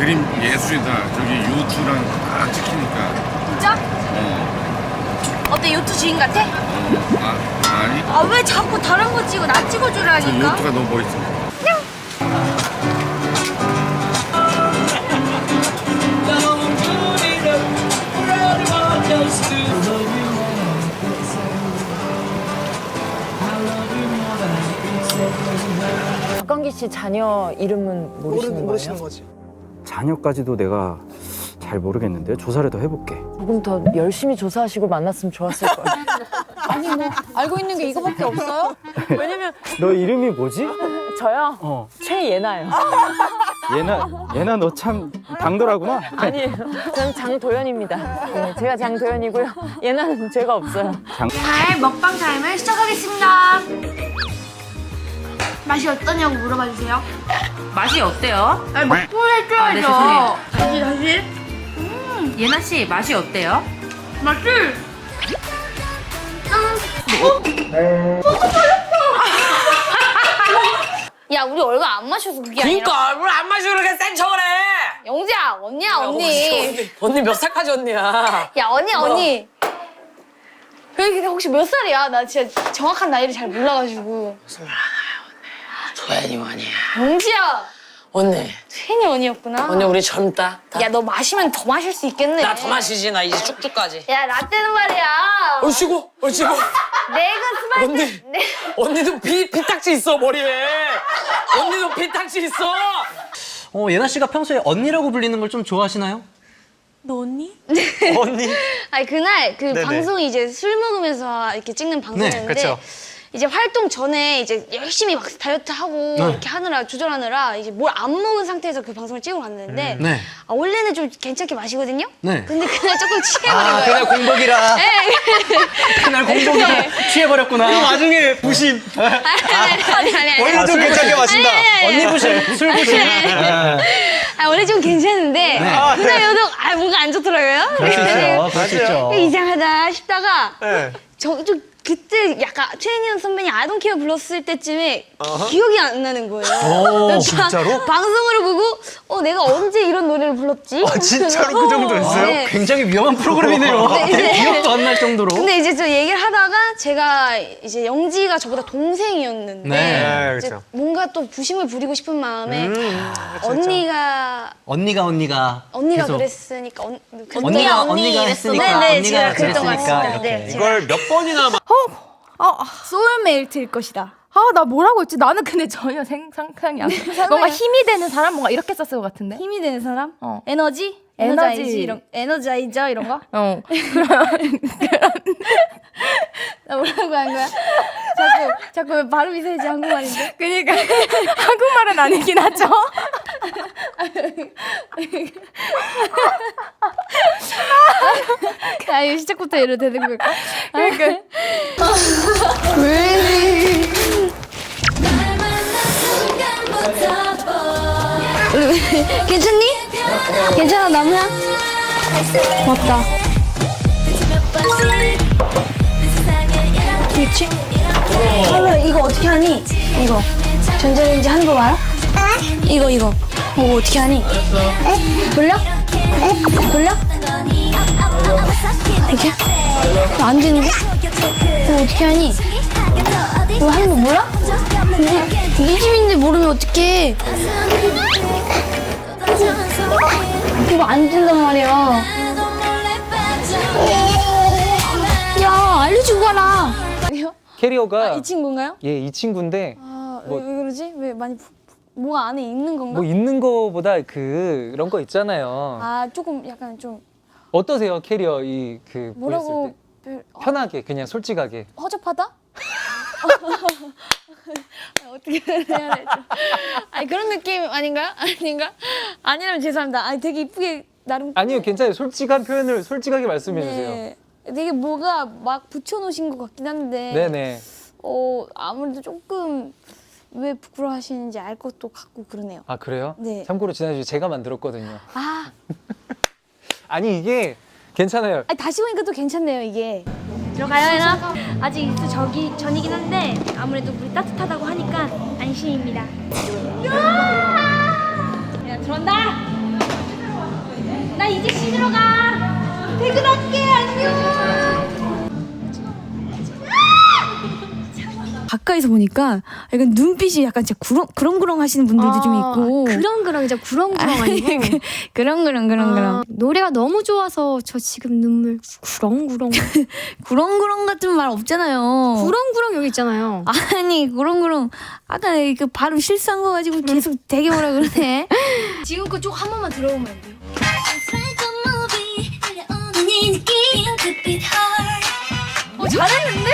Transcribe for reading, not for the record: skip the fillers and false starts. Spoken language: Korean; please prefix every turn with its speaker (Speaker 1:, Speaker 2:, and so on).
Speaker 1: 그림 예술이다. 저기 유투랑 딱 찍히니까.
Speaker 2: 진짜? 어때 요트 주인 같아?
Speaker 1: 아니.
Speaker 2: 아 왜 자꾸 다른 거 찍어? 나
Speaker 1: 저
Speaker 2: 찍어주라니까.
Speaker 1: 유투가 너무 멋있어.
Speaker 3: 박광기 씨 자녀 이름은 모르시는 거예요?
Speaker 4: 거지.
Speaker 5: 자녀까지도 내가 잘 모르겠는데 조사를 더 해볼게.
Speaker 3: 조금 더 열심히 조사하시고 만났으면 좋았을 거예요.
Speaker 2: 아니 뭐 알고 있는 게 이거밖에 없어요? 왜냐면
Speaker 5: 너 이름이 뭐지?
Speaker 3: 저요? 최예나요.
Speaker 5: 얘나 너 참 당돌하구나.
Speaker 3: 아니에요. 저는 장도연입니다. 네, 제가 장도연이고요. 예나는 죄가 없어요.
Speaker 2: 잘 먹방 타임을 시작하겠습니다. 맛이 어떠냐고 물어봐 주세요.
Speaker 6: 맛이 어때요?
Speaker 2: 아니 먹고
Speaker 6: 아, 네,
Speaker 2: 해줘야죠. 다시.
Speaker 6: 예나 씨 맛이 어때요?
Speaker 2: 맛이. 야 우리 얼굴 안 마셔서 그게 아니라.
Speaker 7: 그러니까 물 안 마시고 그렇게 센 척을 해.
Speaker 2: 영지야 언니야 언니.
Speaker 7: 언니 몇 살까지 언니야?
Speaker 2: 야 언니. 근데 혹시 몇 살이야? 나 진짜 정확한 나이를 잘 몰라가지고.
Speaker 7: 소연이 언니야.
Speaker 2: 영지야.
Speaker 7: 언니.
Speaker 2: 세니 언니였구나.
Speaker 7: 언니 우리 젊다.
Speaker 2: 야 너 마시면 더 마실 수 있겠네.
Speaker 7: 나 더 마시지 나 이제 쭉쭉까지.
Speaker 2: 야 라떼는 말이야.
Speaker 7: 얼씨구.
Speaker 2: 내가 스마트.
Speaker 7: 언니. 언니도 피딱지 있어 머리에. 언니도 피딱지 있어.
Speaker 4: 예나 씨가 평소에 언니라고 불리는 걸 좀 좋아하시나요?
Speaker 2: 너 언니?
Speaker 4: 언니.
Speaker 2: 아니 그날 그
Speaker 4: 네네.
Speaker 2: 방송이 이제 술 먹으면서 이렇게 찍는 방송이었는데
Speaker 4: 그쵸.
Speaker 2: 이제 활동 전에 이제 열심히 막 다이어트 하고 이렇게 하느라 조절하느라 이제 뭘 안 먹은 상태에서 그 방송을 찍으러 갔는데
Speaker 4: 네.
Speaker 2: 아, 원래는 좀 괜찮게 마시거든요.
Speaker 4: 네.
Speaker 2: 근데 그날 조금 취해버린
Speaker 4: 아,
Speaker 2: 거예요.
Speaker 4: 그날 공복이라.
Speaker 2: 네.
Speaker 4: 그날 공복이라 취해버렸구나. 그 와중에 부심.
Speaker 2: 아니.
Speaker 4: 원래 좀 괜찮게 마신다. 언니 부심, 술 부심.
Speaker 2: 아 원래 좀 괜찮은데 그날 유독 뭔가 안 좋더라고요.
Speaker 4: 그럴 수 있어요. 그럴 수 있죠.
Speaker 2: 이상하다 싶다가
Speaker 4: 네.
Speaker 2: 좀 그때 약간 최인현 선배님 아동케어 불렀을 때쯤에 기억이 안 나는 거예요. 그러니까
Speaker 4: 진짜로?
Speaker 2: 방송으로 보고 내가 언제 이런 노래를 불렀지?
Speaker 4: 진짜로 그 정도였어요?
Speaker 2: 네.
Speaker 4: 굉장히 위험한 프로그램이네요.
Speaker 2: 네, 이제-
Speaker 4: 기억도 안 날 정도로.
Speaker 2: 근데 이제 저 얘기를 하다가 제가 이제 영지가 저보다 동생이었는데
Speaker 4: 네,
Speaker 2: 이제
Speaker 4: 그렇죠.
Speaker 2: 뭔가 또 부심을 부리고 싶은 마음에 언니가
Speaker 4: 언니가
Speaker 2: 계속. 그랬으니까 언니가
Speaker 4: 했으니까,
Speaker 2: 네,
Speaker 4: 언니가
Speaker 2: 제가 그랬던 것
Speaker 4: 그랬으니까
Speaker 2: 같습니다.
Speaker 4: 이렇게.
Speaker 2: 네, 제가.
Speaker 8: 이걸 몇 번이나
Speaker 9: 소울메이트일 것이다. 나 뭐라고 했지? 나는 근데 전혀 상상이 안 돼. 뭔가 힘이 되는 사람? 뭔가 이렇게 썼을 것 같은데?
Speaker 2: 힘이 되는 사람?
Speaker 9: 어.
Speaker 2: 에너지?
Speaker 9: 에너지.
Speaker 2: 에너자이저 이런 거?
Speaker 9: 어.
Speaker 2: 나 뭐라고 한 거야? 자꾸 왜 발음이 세지 한국말인데?
Speaker 9: 그니까 한국말은 아니긴 하죠.
Speaker 2: 이거 시작부터 이래도 되는 걸까?
Speaker 9: 그러니까
Speaker 2: 괜찮니? 괜찮아 나무야? 고맙다. 그렇지? 할로 이거 어떻게 하니? 이거 전자레인지 하는 거 알아? 이거 어떻게 하니? 돌려? 돌려? 이렇게? 안 되는데? 이거 어떻게 하니? 이거 하는 거 몰라? 이 집인데 모르면 어떡해. 이거 안 된단 말이야. 야, 알려주고 가라.
Speaker 4: 캐리어가
Speaker 2: 이 친구인가요?
Speaker 4: 이 친구인데
Speaker 2: 왜 그러지? 왜 많이 뭐가 안에 있는 건가?
Speaker 4: 뭐 있는 거보다 그런 거 있잖아요.
Speaker 2: 조금 약간 좀
Speaker 4: 어떠세요 캐리어 보였을
Speaker 2: 뭐라고
Speaker 4: 때 편하게 그냥 솔직하게.
Speaker 2: 허접하다? 어떻게 해야 되죠? 그런 느낌 아닌가요? 아니라면 죄송합니다. 되게 이쁘게 나름.
Speaker 4: 아니요 괜찮아요. 솔직한 표현을 솔직하게 말씀해 주세요.
Speaker 2: 네. 되게 뭐가 막 붙여놓으신 것 같긴 한데.
Speaker 4: 네네.
Speaker 2: 아무래도 조금 왜 부끄러워하시는지 알 것도 같고 그러네요.
Speaker 4: 아 그래요?
Speaker 2: 네.
Speaker 4: 참고로 지난주에 제가 만들었거든요. 아니 이게 괜찮아요.
Speaker 2: 다시 보니까 또 괜찮네요 이게. 들어가요 해나? 아직 입수 전이긴 한데 아무래도 물이 따뜻하다고 하니까 안심입니다. 야 들어온다. 나 이제 씻으러 가. 퇴근할게. 안녕. 가까이서 보니까 약간 눈빛이 약간 진짜 그렁그렁 하시는 분들도 좀 있고.
Speaker 8: 그렁그렁 이제 구렁구렁 아니고
Speaker 2: 그렁그렁.
Speaker 8: 노래가 너무 좋아서 저 지금 눈물 구렁구렁
Speaker 2: 구렁구렁 같은 말 없잖아요.
Speaker 8: 구렁구렁 여기 있잖아요.
Speaker 2: 아니 구렁구렁 아까 그 발음 실수한 거 가지고 계속 되게 뭐라 그러네.
Speaker 8: 지금 거 쭉 한 번만 들어보면 안 돼요?
Speaker 2: 잘했는데?